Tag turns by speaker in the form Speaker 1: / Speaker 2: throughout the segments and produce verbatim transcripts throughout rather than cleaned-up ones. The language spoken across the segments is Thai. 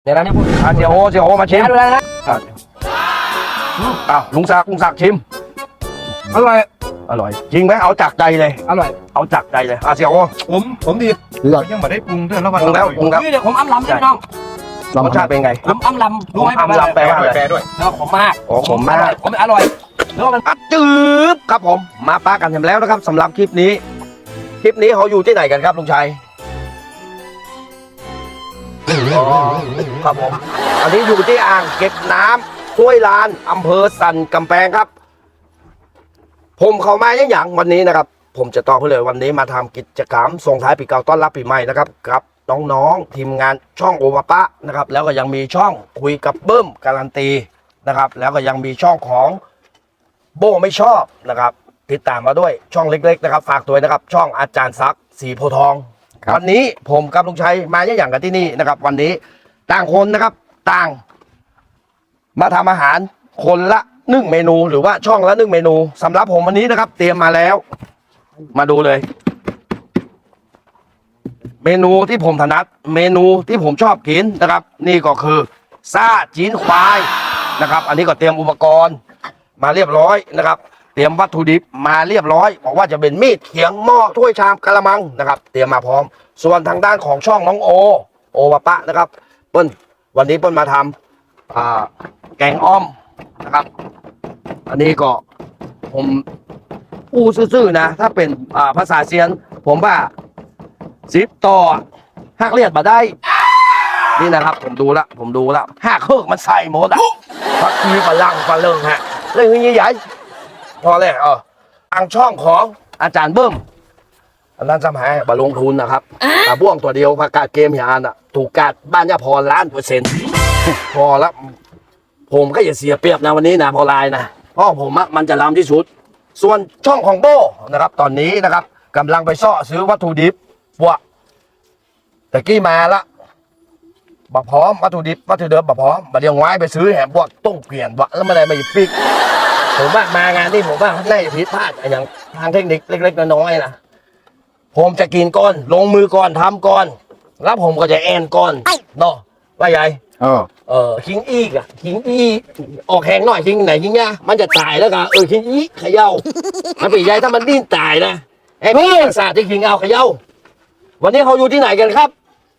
Speaker 1: ดี๋ยวนะนี่พูด
Speaker 2: อ่ะเสียโอเสียโอมาชิม
Speaker 1: ดูแลนะ
Speaker 2: อ้าวลุงศักดิ์ลุงศักดิ์ชิม
Speaker 1: อร่อย
Speaker 2: อร่อยจริงไหมเอาจากใจเลย
Speaker 1: อร่อย
Speaker 2: เอาจากใจเลยอ่ะเสียโอ
Speaker 3: ผมผมดี
Speaker 2: เลือก
Speaker 3: ยังไม่ได้ปรุงเท่าแล้ววัน
Speaker 2: ปรุงแล้วปรุงแล้ว
Speaker 1: นี่เดี๋ยวผมอ้ำลำพี่น้อง
Speaker 2: รสชาติเป็นไง
Speaker 1: ผมอ้ำลำรู้ไหม
Speaker 2: อ้ำลำ
Speaker 3: แปลด้วยแปลด้วย
Speaker 1: แล้วผมมาก
Speaker 2: โอ้ผมมาก
Speaker 1: ผมอร่อยแล้วมัน
Speaker 2: อัดจืบครับผมมาปากันเสร็จแล้วนะครับสำหรับคลิปนี้ คลิปนี้เขาอยู่ที่ไหนกันครับลุงชัยอ๋อครับผมอันนี้อยู่ที่อ่างเก็บน้ำห้วยลานอำเภอสันกำแพงครับ ผมเข้ามาอย่างอย่างวันนี้นะครับ ผมจะตอบเพื่อเลยวันนี้มาทำกิจกรรมส่งท้ายปีเก่าต้อนรับปีใหม่นะครับกับน้องๆทีมงานช่องโอวาปะนะครับแล้วก็ยังมีช่องคุยกับเบิ้มการันตีนะครับแล้วก็ยังมีช่องของโบไม่ชอบนะครับติดตามมาด้วยช่องเล็กๆนะครับฝากตัวนะครับช่องอาจารย์ซักสีโพธิ์ทองวันนี้ผมกับลุงชัยมาอย่างอย่างกันที่นี่นะครับ วันนี้ต่างคนนะครับต่าง มาทำอาหารคนละหนึ่งเมนูหรือว่าช่องละหนึ่งเมนูสำหรับผมวันนี้นะครับ เตรียมมาแล้ว มาดูเลย เมนูที่ผมถนัดเมนูที่ผมชอบกินนะครับ นี่ก็คือซ่าจีนควายนะครับ อันนี้ก็เตรียมอุปกรณ์มาเรียบร้อยนะครับ เตรียมวัตถุดิบมาเรียบร้อยบอกว่าจะเป็นมีดเขียงหม้อถ้วยชามกระมังนะครับ เตรียมมาพร้อม ส่วนทางด้านของช่องน้องโอโอวาปะนะครับเปิ้ลวันนี้เปิ้ลมาทำอ่าแกงอ้อมนะครับ อันนี้ก็ผมอู้ซื่อๆนะถ้าเป็นอ่าภาษาเซียน ผมว่าสิบต่อหักเลียดมาได้ นี่นะครับ ผมดูละผมดูละหักเฮิกมันใส่หมดอะพักทีฝรั่งฝรั่งฮะเรื่องนี้ใหญ่พอเลยเออทางช่องของอาจารย์เบิ้มอันนั้นสมัยบาลงทุนนะครับตาบ้วงตัวเดียวประกาศเกมยานอะถูกกาดบ้านยาพรล้านเปอร์เซ็นต์พอแล้วผมก็อย่าเสียเปรียบนะวันนี้นะพอลายนะเพราะผมอะมันจะล้ำที่สุดส่วนช่องของโบนะครับ ตอนนี้นะครับกำลังไปซ่อซื้อวัตถุดิบว่าแต่กี้มาละบักพร้อมวัตถุดิบวัตถุดิบบักพร้อมบัดเดี๋ยวไว้ไปซื้อแหมพวกต้องเปลี่ยนวะแล้วไม่ได้มาหยิบปิกผมว่ามางานนี่ผมว่าน่าจะผิดพลาดอย่างทางเทคนิคเล็กๆน้อยๆนะผมจะกินก่อนลงมือก่อนทำก่อนแล้วผมก็จะแอนก่อนเนาะว่าใหญ่
Speaker 3: เออ
Speaker 2: เออคิงอีกอะคิงอีออกแหงหน่อยคิงไหนคิงเนี่ยมันจะตายแล้วกันเออคิงอีเขย่ามันปีใหญ่ถ้ามันดิ้นตายนะไอ้พี่ศาสตร์ที่คิงเอาเขย่าวันนี้เขาอยู่ที่ไหนกันครับ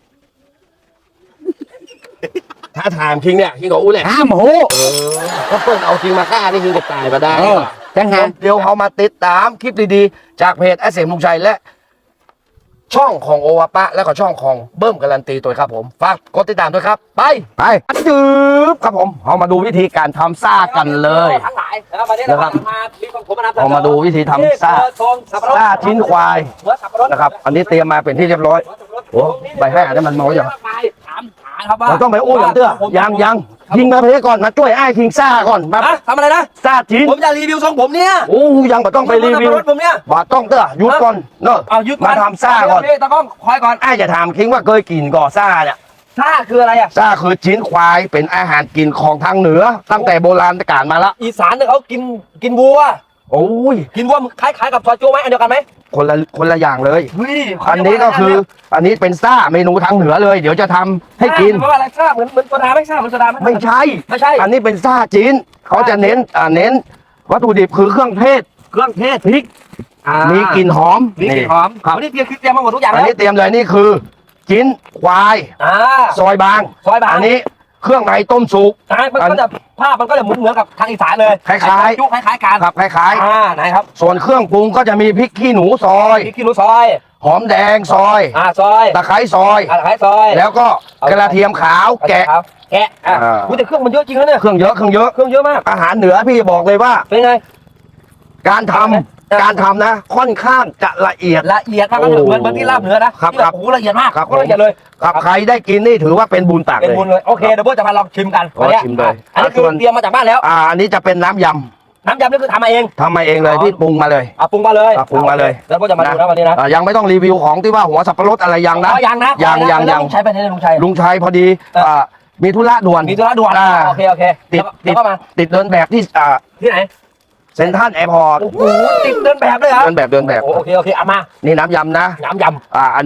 Speaker 2: ถ้าถามคิงเนี่ยคิงก็อู้แหละ
Speaker 3: ห้ามโห
Speaker 2: เออถ้าเปิ้ลเอาคิงมาฆ่านี่คิงจะตายมาได้
Speaker 3: เออจังหา
Speaker 2: เดี๋ยวเขามาติดตามคลิปดีๆจากเพจแอสเซมลุงชัยและ ช่องของโอวาปะแล้วก็ช่องของเบิ้มการันตีตัวครับผมฝากกดติดตามด้วยครับไป
Speaker 3: ไป
Speaker 2: จืบครับผมเอามาดูวิธีการทำซ่ากันเลย
Speaker 1: ทั้งหลายนะครับวันนี้เรามามีของผมมานำเสนอ
Speaker 2: เอามาดูวิธีทำซ่า ซ่าชิ้นควาย
Speaker 1: หัวสับปะรด
Speaker 2: นะครับ อันนี้เตรียมมาเป็นที่เรียบร้อยโอ้ใบให้อันนี้มันน้อยอย่าง
Speaker 1: ไปถามหาครับว่า
Speaker 2: เราต้องไปอู้อย่างเตื้อยังยังยิงมาเพลก่อนมาช่วยไอ้คิงซ่าก่อนมา
Speaker 1: ฮะทำอะไรนะ
Speaker 2: ซ่าชิ้น
Speaker 1: ผมจะรีวิวทรงผมเนี่ย
Speaker 2: โอ้ยังไม่ต้องไปรีวิว
Speaker 1: รถผมเนี่ย
Speaker 2: บาต้องเตื้อหยุดก่อนเนอะ
Speaker 1: เอายึด
Speaker 2: มาทำซ่าก่อน
Speaker 1: ตะก้องคอยก่อน
Speaker 2: ไอ้จะถามคิงว่าเคยกินก่อซ่าเนี่ย
Speaker 1: ซ่าคืออะไรอ่ะ
Speaker 2: ซ่าคือชิ้นควายเป็นอาหารกินของทางเหนือ ตั้งแต่โบราณกาลมาละ
Speaker 1: อีสานเนี่ยเขากินกินวัว
Speaker 2: โอ้ย
Speaker 1: กินวัวคล้ายๆกับซอยจูไหมอันเดียวกันไหม
Speaker 2: คนละคนละอย่างเลย
Speaker 1: เฮ้ย
Speaker 2: อันนี้ก็คืออันนี้เป็นซ่าเมนูทางเหนือเลย เดี๋ยวจะทำให้กิน
Speaker 1: เพราะว่าอะไรซ่าเหมือนเหมือนโซดาไหมซ่าเหมือนโซดาไหม
Speaker 2: ไม่ใช่
Speaker 1: ไม่ใช่
Speaker 2: อันนี้เป็นซ่าจีนเขาจะเน้นอ่าเน้น วัตถุดิบคือเครื่องเทศ
Speaker 1: เครื่องเทศ
Speaker 2: พริก
Speaker 1: อ่า
Speaker 2: มีกลิ่นหอม
Speaker 1: มีกลิ่นหอม
Speaker 2: ครับ
Speaker 1: วันนี้เตรียมคือเตรียมมาหมดทุกอย่าง
Speaker 2: อัน
Speaker 1: แล้ว
Speaker 2: นี้เตรียมเลยนี่คือจิ้นควาย
Speaker 1: อ่า
Speaker 2: ซอยบาง
Speaker 1: ซอยบาง
Speaker 2: อันนี้เครื่องในต้มสุก
Speaker 1: อ่ามันก็จะภาพมันก็จะเหมือนเหมือนกับทางอีสานเลย
Speaker 2: คล้ายๆ
Speaker 1: จุคล้ายๆกัน
Speaker 2: ครับคล้าย
Speaker 1: อ่าไหนครับ
Speaker 2: ๆ ส่วนเครื่องปรุงก็จะมีพริกขี้หนูซอย
Speaker 1: พริกขี้หนูซอย
Speaker 2: หอมแดงซอย
Speaker 1: อ่าซอย
Speaker 2: ตะไคร้ซอย
Speaker 1: อ่าตะไคร้ซอย
Speaker 2: แล้วก็กระเทียมขาวแกะ
Speaker 1: ครับแกะอ่ะ
Speaker 2: อ่า
Speaker 1: อุ๊ยแต่เครื่องมันเยอะจริงนะเนี่ย
Speaker 2: เครื่องเยอะเครื่องเยอะ
Speaker 1: เครื่องเยอะมาก
Speaker 2: อาหารเหนือพี่บอกเลยว่า
Speaker 1: เป็นไง
Speaker 2: การทำ
Speaker 1: เออ
Speaker 2: การทำนะ ค่อนข้างจะละเอียด
Speaker 1: ละเอียดมาก
Speaker 2: โอ้
Speaker 1: เหมือนเหมือนที่ลาบเหนือนะครับ ที่แบ
Speaker 2: ครับ
Speaker 1: บโอ้โหละเอียดมาก
Speaker 2: ครับ
Speaker 1: โคตรละเอียดเลย
Speaker 2: ครับใครได้กินนี่ถือว่าเป็นบุญตัก
Speaker 1: เป็น
Speaker 2: เลย
Speaker 1: บุญเลยโอเคเดี๋ยวพวกจะมาลองชิมกัน
Speaker 2: ขอ
Speaker 1: วันเนี้ย
Speaker 2: ชิมเลย
Speaker 1: อันนี้คือ
Speaker 2: ส่วน
Speaker 1: เตรียมมาจากบ้านแล้ว
Speaker 2: อ่าอันนี้จะเป็นน้ำย
Speaker 1: น้ำยำนี่คือทำมาเอง
Speaker 2: ำทำมาเองเลย
Speaker 1: อ๋อ
Speaker 2: พี่ปรุงมาเลย
Speaker 1: เอาปรุงมาเลย
Speaker 2: อ่ะปรุงมาเลย
Speaker 1: แล้วพวกจะมาดูนะวันนี้นะ
Speaker 2: อ่ายังไม่ต้องรีวิวของที่ว่าหัวสับปะรดอะไรยังนะ
Speaker 1: อ๋อยังนะ
Speaker 2: ยัง
Speaker 1: ขอ
Speaker 2: ยัง
Speaker 1: แล้ว
Speaker 2: ยัง
Speaker 1: ลุงชัยไปไหนเนี่ยลุงชัย
Speaker 2: ลุงชัยพอดี
Speaker 1: เอออ่
Speaker 2: อ่ามีธุระด่วน
Speaker 1: มีธุระด่วน
Speaker 2: อ่า
Speaker 1: โอเคโอเค
Speaker 2: ติด
Speaker 1: เดี๋ยวก็มา
Speaker 2: ติดเดินแบบที่อ่า
Speaker 1: ที่ไหน
Speaker 2: เซ็นทรัลแอร์พอร์ต
Speaker 1: โอ้โหติดเดินแบบเลยเหรอ
Speaker 2: เดินแบบเดินแบบ
Speaker 1: โอเคโอเคเอามา
Speaker 2: นี่น้ำยำนะ
Speaker 1: น้ำย
Speaker 2: อ่าอันนี้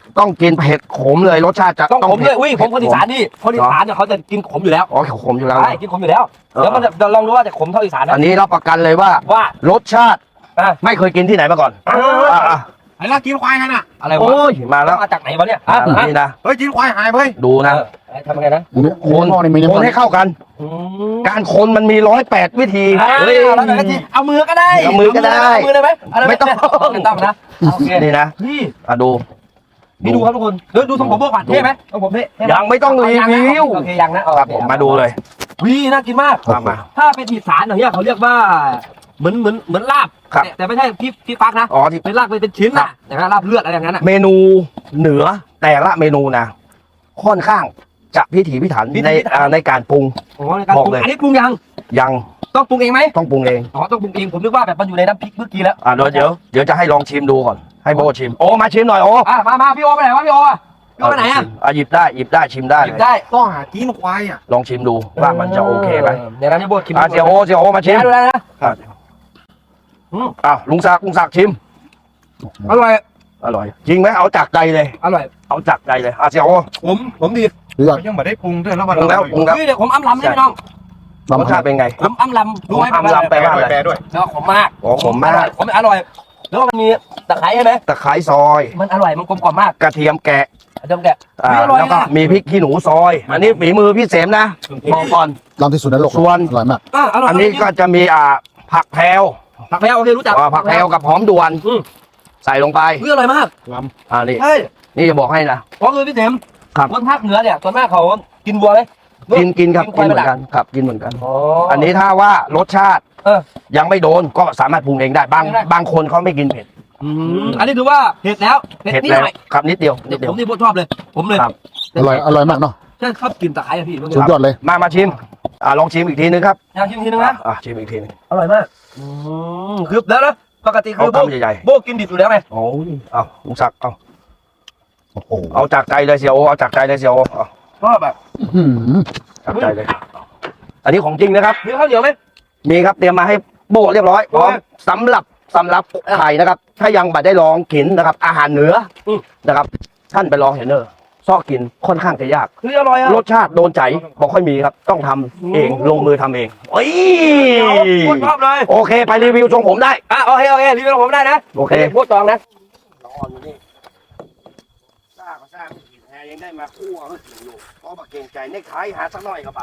Speaker 2: ต้องกินเผ็ดขมเลยรสชาติจะ
Speaker 1: ต้องขมเล
Speaker 2: ผ็
Speaker 1: ยอุ้ยผมคนอีสานนี่คนอีสานเนี่ยเขาจะกินขมอยู่แล้ว
Speaker 2: อ๋อขมอยู่แล้ว
Speaker 1: ใช่กินขมอยู่แล้วเดี๋ยวมันจะลองดูว่าจะขมเท่าอีสานนะ
Speaker 2: อันนี้รับประกันเลยว่า
Speaker 1: ว่าร
Speaker 2: สชาติ
Speaker 1: อ่ะ
Speaker 2: ไม่เคยกินที่ไหนมาก่อน
Speaker 1: อ่ะ
Speaker 2: อ่ะอ่ะ
Speaker 3: ไอ้ลากกินควายกันอ่ะ
Speaker 1: อะไรวะ
Speaker 2: โอ้ยมาแล้ว
Speaker 1: มาจากไหนวะเนี่ย
Speaker 2: อ่ะ
Speaker 1: อ่ะ
Speaker 2: นี่นะ
Speaker 3: เฮ้ยกินควายหายไป
Speaker 2: ดูนะ
Speaker 1: เออทำยังไงนะ
Speaker 2: คน
Speaker 4: หม้อนี่มีน้ำ
Speaker 2: คน
Speaker 4: มัน
Speaker 2: ให้เข้ากัน
Speaker 1: อืม
Speaker 2: การคนมันมีร้อยแปดวิธี
Speaker 1: เฮ้ยเอาแล้วทีเอามือก็ได้
Speaker 2: เอามือก็ได้
Speaker 1: เอามือได้ไหมเาด้ห
Speaker 2: ไม่ต้อง
Speaker 1: ไม่ต้องนะโอเค
Speaker 2: นี่นะ
Speaker 1: นี่
Speaker 2: อ่ะดู
Speaker 1: นี่ดูครับทุกคนดูดูทรงผมโบกก่อนเท่ไหมทรงผมเท่เท่ห
Speaker 2: ยังไม่ต้องรีวิว
Speaker 1: โอเคยังนะ
Speaker 2: ครับผมมาดูเลย
Speaker 1: วีน่ากินมาก
Speaker 2: มามา
Speaker 1: ถ้าเป็นอีสานอย่างเงี้ยเขาเรียกว่าเหมือนเหมือนเหมือนลาบ
Speaker 2: ครับ
Speaker 1: แต่แต่ไม่ใช่พี่พี่ฟักนะ
Speaker 2: อ๋อที่
Speaker 1: เป็นลาบเป็นชิ้น
Speaker 2: ครั
Speaker 1: นะ
Speaker 2: บ
Speaker 1: แต่ว่าลาบเลือดอะไรอย่างนั้นอ่ะ
Speaker 2: เมนูเหนือแต่ละเมนูนะค่อนข้างจะพิถีพิถันในอ่าในการปรุง
Speaker 1: อ๋อในการ
Speaker 2: บอ
Speaker 1: ป
Speaker 2: ก
Speaker 1: รุง
Speaker 2: เลย
Speaker 1: อันนี้ปรุงยัง
Speaker 2: ยัง
Speaker 1: ต้องปรุงเองไหม
Speaker 2: ต้องปรุงเอง
Speaker 1: อ๋อต้องปรุงเองผมนึกว่าแบบมันอยู่ในน้ำพริกเมื่อกี้แล้ว
Speaker 2: อ่าเดี๋ยวเดี๋ยวเดี๋ยวจะให้ลองชิมดูก่อนให้โบชิมโอ้มาชิมหน่อยโอ้
Speaker 1: อ่ะมามาพี่โอไปไหนวะพี่โออ่ะพี่โอไปไหนอ่ะ
Speaker 2: อ่ะหยิบได้หยิบได้ชิมได้
Speaker 1: ห
Speaker 2: เล
Speaker 1: ยิบ
Speaker 2: ย
Speaker 1: ได้
Speaker 3: ต้องหากินควายอ่ะ
Speaker 2: ลองชิมดูว่ามันจะโอเคไหม
Speaker 1: เดี๋ยวนะพี่โบกิน
Speaker 2: อ่ะเสียโอเสียโอมาชิม
Speaker 1: ดูได้นะ
Speaker 2: อ่ะ
Speaker 1: อืม
Speaker 2: อ่ะลุงศักดิ์ลุงศักดิ์ชิม
Speaker 1: อร่อย
Speaker 2: อร่อยจริงไหมเอาจากใจเลย
Speaker 1: อร่อย
Speaker 2: เอาจากใจเลยอ่ะเสียโอ
Speaker 3: ผมผมดี
Speaker 4: เลือก
Speaker 3: ยังไม่ได้ปรุงด้วยแล้ววัน
Speaker 2: ปรุงแล้วปรุงแล้ว
Speaker 1: นี่เดี๋ยวผมอ้ำลำให้พี่น้อง
Speaker 2: รสชาติเป็นไง
Speaker 1: ผมอ้ำลำรู้ไหม
Speaker 2: ผมอ้ำลำ
Speaker 3: แปลด้วยแปลด้วย
Speaker 1: แล้วขมมาก
Speaker 2: อ๋อขมมาก
Speaker 1: อร่อยขมอร่อย แล้วก็มันมีตะไคร้ใช่ไหม
Speaker 2: ตะไคร้ซอย
Speaker 1: มันอร่อยมันกลมกล่อมมาก
Speaker 2: กระเทียมแกะ
Speaker 1: เดี๋ยวแกะ
Speaker 2: อ่า
Speaker 1: ไม่อร่อย
Speaker 2: แล้วก็
Speaker 1: นะ
Speaker 2: มีพริกขี้หนูซอย อันนี้ฝีมือพี่เสมนะบอกก่อน
Speaker 4: ลำที่สุดในโลก
Speaker 2: ส่วน
Speaker 4: อร่อยมาก
Speaker 1: อ่ะอร่อย
Speaker 2: อันนี้ก็จะมีอ่าผักแพรว
Speaker 1: ผักแพรวโอเครู้จัก
Speaker 2: อ่าผักแพรวกับหอมด่วน
Speaker 1: อืม
Speaker 2: ใส่ลงไป
Speaker 1: เฮ้ยอร่อยมาก
Speaker 2: อ่านี่
Speaker 1: ใช่
Speaker 2: นี่จะบอกให้นะ
Speaker 1: เพราะคือพี่เสม
Speaker 2: ครับ
Speaker 1: คนภาคเหนือเนี่ยส่วนมากเขากินวัวไหม
Speaker 2: กินกินครับ
Speaker 1: กิ
Speaker 2: กิ
Speaker 1: น
Speaker 2: น
Speaker 1: ควาย
Speaker 2: เหมือนกันครับกินเหมือนกัน
Speaker 1: อ๋อ
Speaker 2: อันนี้ถ้าว่ารสชาติ
Speaker 1: เออ
Speaker 2: ยังไม่โดนก็สามารถปรุงเองได้บาง
Speaker 1: ได้
Speaker 2: บางคนเขาไม่กินเผ็ด
Speaker 1: อืมอันนี้ถือว่าเผ็ดแล้วเผ็ด
Speaker 2: เผ็ด
Speaker 1: นิด
Speaker 2: แล้ว
Speaker 1: หน่อย
Speaker 2: ครับนิดเดียวนิดเดีย
Speaker 1: ผ
Speaker 2: ว
Speaker 1: มนี่พวกชอบเลย ผมเลย
Speaker 2: ครับ
Speaker 4: อร่อย อร่อยมากเนาะ
Speaker 1: ใช่ชอบกินตะไคร้อะพี่
Speaker 4: สุดยอดเลย
Speaker 2: มามาชิมอ่าลองชิมอีกทีนึงครับ
Speaker 1: อยากชิมทีนึงนะ
Speaker 2: อ่าชิมอีกทีนึง
Speaker 1: อร่อยมากอืมคือแล้วนะปกติคือ
Speaker 2: เอา
Speaker 1: โบ
Speaker 2: คำใหญ่
Speaker 1: โบกินดิบอยู่แล้วไง
Speaker 2: ๆโอ้ยเอาลุงศักดิ์เอา
Speaker 4: โอ้โห
Speaker 2: เอาจากใจเลยเสียโอเอาจากใจเลยเสียโอเอา
Speaker 1: ชอบแบบ
Speaker 4: อื้อหือ
Speaker 2: จากใจเลย อันนี้ของจริงนะครับ
Speaker 1: มีข้าวเหนียวไหม
Speaker 2: มีครับเตรียมมาให้โบเรียบร้อยพร้อมสำหรับสำหรับไข่นะครับ ถ้ายังบัดได้ลองกินนะครับ อาหารเหนืออ
Speaker 1: ม
Speaker 2: นะครับ ท่านไปลองเห็นเนอะซอกกินค่อนข้างจะยาก
Speaker 1: คืออร่อยอ่ะ
Speaker 2: รสชาติโดนใจบอกค่อยมีครับ ต้องทำเองลงมือทำเองโอ้ย
Speaker 1: โคตรชอบเลย
Speaker 2: โอเคไปรีวิวทรงผมได้
Speaker 1: อ่ะโอเคโอเครีวิวผมได้นะ
Speaker 2: โอเค
Speaker 1: พูดจองนะ
Speaker 2: ร้อนอยู่นี่สร้างก็สร้างผิดแฮยังได้มาคั่วก็ถึงอยู่เพราะบักเก่งใจเน็กไทหาสักหน่อยกับบาท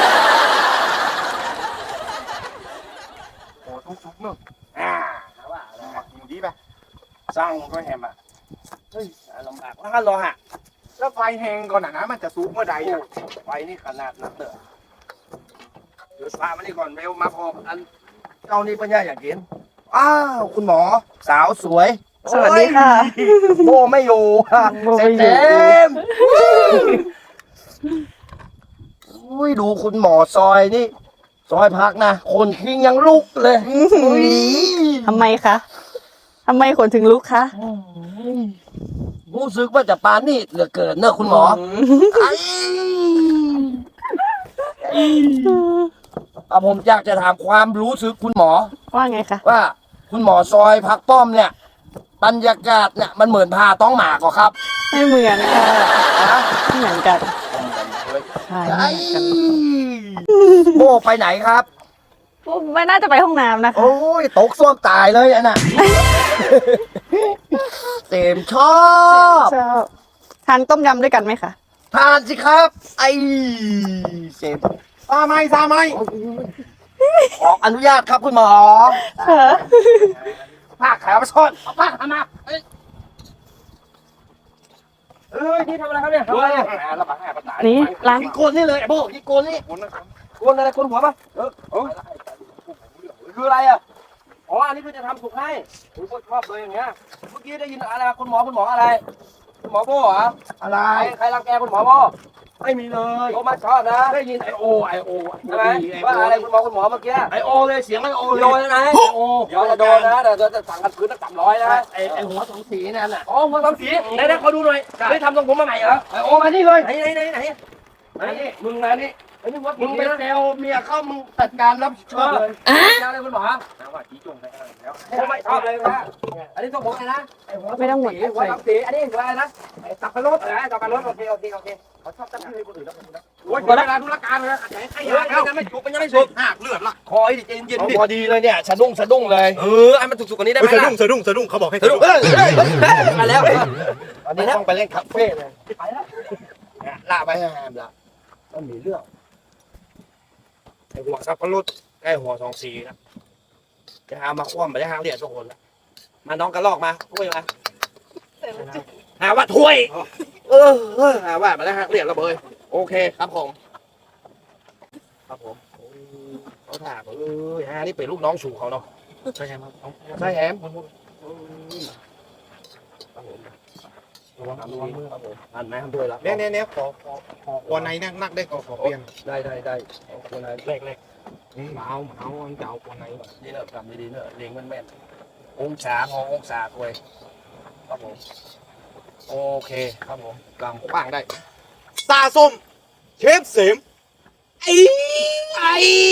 Speaker 2: โอ้ทุกทุกๆเนอะอ่าว่าแล้ว
Speaker 3: อยู่ดีไป
Speaker 2: สร้างก็แฮมอ่ะเฮ้ยลำบากว่ากันรอฮะ
Speaker 3: แล้วไฟแห้งก่อนนะมันจะสุกเมื่อใดอ่ะ
Speaker 2: ไฟนี่ขนาดนั้นเตอะเดี๋ยวพามานี่ก่อนเร็วมาพออันเจ้านี่ปัญญาอยากกินอ้าวคุณหมอสาวสวย
Speaker 5: สวัสดีค่ะ
Speaker 2: โบไม่อยู่
Speaker 5: โบไม่อยู่
Speaker 2: เต็มอุ้ยดูคุณหมอซอยนี่ ซอยพักนะ คนทิ้งยังลุกเลยอุ้ย
Speaker 5: ทำไมคะทำไมขนถึงลุกคะ
Speaker 2: รู้สึกว่าจะปานนี่เหลือเกินเนอะคุณหมอไอ้อ่ะผมอยากจะถามความรู้สึกคุณหมอ
Speaker 5: ว่าไงคะ
Speaker 2: ว่าคุณหมอซอยพักป้อมเนี่ย บรรยากาศเนี่ยมันเหมือนพาต้องหมากเหรอครับ
Speaker 5: ไม่เหมือนค่ะ
Speaker 2: ฮะ
Speaker 5: ไม่เหมือนกันใช่
Speaker 2: ไอ้
Speaker 5: ไม่เหมือนกัน
Speaker 2: โบไปไหนครับ
Speaker 5: ไม่น่าจะไปห้องน้ำนะคะ
Speaker 2: โอ้ยตกส้วมตายเลยอันน่ะ เต็มชอบ
Speaker 5: ชอบทานต้มยำด้วยกันไหมคะ
Speaker 2: ทานสิครับ ไอ้เสพ
Speaker 3: ซาไหมซาไหม
Speaker 2: ขออนุญาตครับคุณหมอ
Speaker 5: ค่ะ
Speaker 2: ผ้าขาวมาซ่อนเอาผ้าขาวมาเอ้ย
Speaker 1: เอ้ยนี่ทำอะไรครับเนี่ยทำอะไรเนี่ย
Speaker 2: ระบาดให้ประสาน
Speaker 5: นี่ล้าง
Speaker 2: ยิงโกนนี่เลยไอ้โบยิงโกนนี่
Speaker 1: กวนอะไรกวนหัวปะเออเออคืออะไรอ่ะอ๋ออันนี้คือจะทำสุกให้ผมก็ชอบเลยอย่างเงี้ยเมื่อกี้ได้ยินอะไรคุณหมอคุณหมออะไรคุณหมอโบ้เหรอ
Speaker 2: อะไร
Speaker 1: ใครใครรังแกคุณหมอโบ้
Speaker 2: ไม่มีเลย
Speaker 1: โอ้มาชอบนะ
Speaker 2: ได้ยินไอโอไอโอ
Speaker 1: ใช่ไหมว่าอะไรคุณหมอคุณหมอเมื่อกี้
Speaker 2: ไอโอเลยเสียงไอโอ
Speaker 1: โด
Speaker 2: เลย
Speaker 1: นนะ
Speaker 2: ไอโอ
Speaker 1: เดี๋ยวจะโดนนะเดี๋ยวจะสั่งกันคืนตั้งสามร้อยนะ
Speaker 2: ไอไอหัวสองสีนั่นแหละ
Speaker 1: อ๋อหัวสามสีไหนๆขอดูหน่อยได้ทำทรงผมมาใหม่เหรอ
Speaker 2: ไอโอมานี่เลย
Speaker 1: ไหนไหนไหนไหน
Speaker 2: มานี่มึงมานี่
Speaker 1: ไอ้นี่ว่า
Speaker 2: มึ
Speaker 1: มึ
Speaker 2: ง
Speaker 1: ง
Speaker 2: ไป
Speaker 1: ไป
Speaker 2: แซวเมียเขามึงจัดการรับผิดชอบเลย
Speaker 1: ยาเลยคุณหมอ
Speaker 3: น้ำว่าจีจงไปแล้ว
Speaker 1: ผมไม่ชอบเลยนะอันนี้ต้องผมเลยนะไอ้หัว
Speaker 5: ไม่ต้องหมด
Speaker 1: สีหัวดำสีอันนี้หัวอะไรนะไอ้สับปะรดอะไรสับปะรดโอเคโอเคโอเคเขาชอบตั้งชื่อให้คนอื่นแล้วนะ
Speaker 3: โอ้ยเวลาธุรการเลยนะไอ้ไอ้
Speaker 1: เฮ้ย
Speaker 3: ยา
Speaker 1: ยังไม่จุกมันยังไม่สุก
Speaker 3: หักเลือดละ
Speaker 1: คอยดิเย็นเย็น
Speaker 2: เอา
Speaker 1: ดิ
Speaker 2: พอดีเลยเนี่ยสะดุ้งสะดุ้งเลย
Speaker 1: เออไอ้มันสุกๆกว่านี้ได้ไหม
Speaker 3: สะ
Speaker 1: ล่ะ
Speaker 3: ดุ้งสะดุ้งสะดุ้งเขาบอกให้
Speaker 1: สะดุ้งเออมาแล้ว
Speaker 2: อันนี้ต้องไปเล่นคาเฟ่เลย
Speaker 1: ไปแล้ว
Speaker 2: เนี่ยล่าไปให้แฮมละต้องมีเรื่องไอหัวสับปะรดไอหัวสองสีนะจะหามาคว่ำไปจะหาเหรียญทุกคนละมาน้องกระลอกมาถ้วยมาหาว่าถ้วย เออเออหาว่ามาแล้วฮะเหรียญระเบยโอเคครับผมครับผมโอ้เขาถามเออฮะนี่เป็นลูกน้องชูเขาเนาะ
Speaker 3: ใช่ไหม
Speaker 2: ใช่แฮม
Speaker 3: ครับผม
Speaker 2: ระวังระวังมือครับผมอ่านไหมทำด้วยละ
Speaker 3: เนี่ยเนี่ยเนี่ยขอขอขอวันไหนนักนักได้ขอขอเปลี่ยน
Speaker 2: ได้ได้ได้เอาคนไหน
Speaker 3: เล็กเล็กเมาเมาเจ้าวันไหน
Speaker 2: ดีเนอะทำดีๆเนอะเลี้ยงมันแม่นองศาพอองศาถวยครับผมโอเคครับผมกำกว้างได้
Speaker 3: ซาส้มเชฟเสม
Speaker 2: ไอ้ไอ้